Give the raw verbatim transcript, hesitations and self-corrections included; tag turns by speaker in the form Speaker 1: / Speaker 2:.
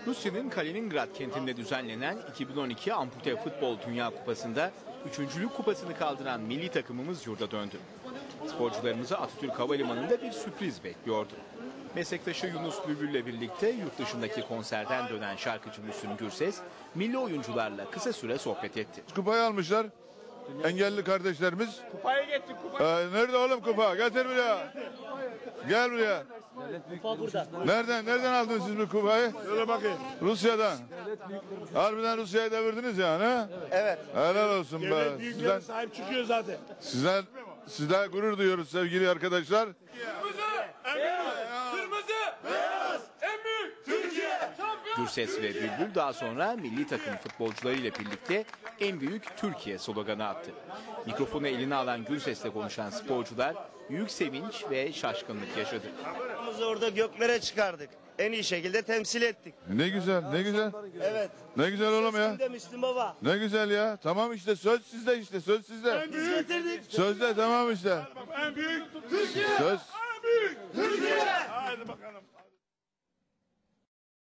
Speaker 1: Rusya'nın Kaliningrad kentinde düzenlenen iki bin on iki Ampute Futbol Dünya Kupası'nda üçüncülük kupasını kaldıran milli takımımız yurda döndü. Sporcularımızı Atatürk Havalimanı'nda bir sürpriz bekliyordu. Meslektaşı Yunus Bülbül'le birlikte yurt dışındaki konserden dönen şarkıcı Müslüm Gürses, milli oyuncularla kısa süre sohbet etti.
Speaker 2: Kupayı almışlar. Engelli kardeşlerimiz.
Speaker 3: Kupayı getir kupayı.
Speaker 2: Ee, nerede oğlum kupa? Getir buraya. Gel buraya.
Speaker 3: Kupa burada.
Speaker 2: Nereden nereden aldınız siz bu kupayı?
Speaker 3: Şöyle bakayım.
Speaker 2: Rusya'dan. Harbiden Rusya'yı devirdiniz yani ha?
Speaker 3: Evet.
Speaker 2: Helal olsun be.
Speaker 3: Devlet büyüklerine
Speaker 2: Sizden,
Speaker 3: sahip çıkıyor zaten.
Speaker 2: sizden, sizden gurur duyuyoruz sevgili arkadaşlar.
Speaker 1: Gürses ve Bülbül daha sonra milli takım futbolcularıyla birlikte en büyük Türkiye sloganı attı. Mikrofonu eline alan Gürses'le konuşan sporcular büyük sevinç ve şaşkınlık yaşadı.
Speaker 4: Biz orada göklere çıkardık. En iyi şekilde temsil ettik.
Speaker 2: Ne güzel, ne güzel.
Speaker 4: Evet.
Speaker 2: Ne güzel oğlum ya.
Speaker 4: Şimdi de Müslüm Baba.
Speaker 2: Ne güzel ya. Tamam işte söz sizde işte söz sizde.
Speaker 4: Biz getirdik.
Speaker 2: Sözde tamam işte.
Speaker 3: En büyük Türkiye.
Speaker 2: Söz.
Speaker 3: En büyük Türkiye. Hadi bakalım.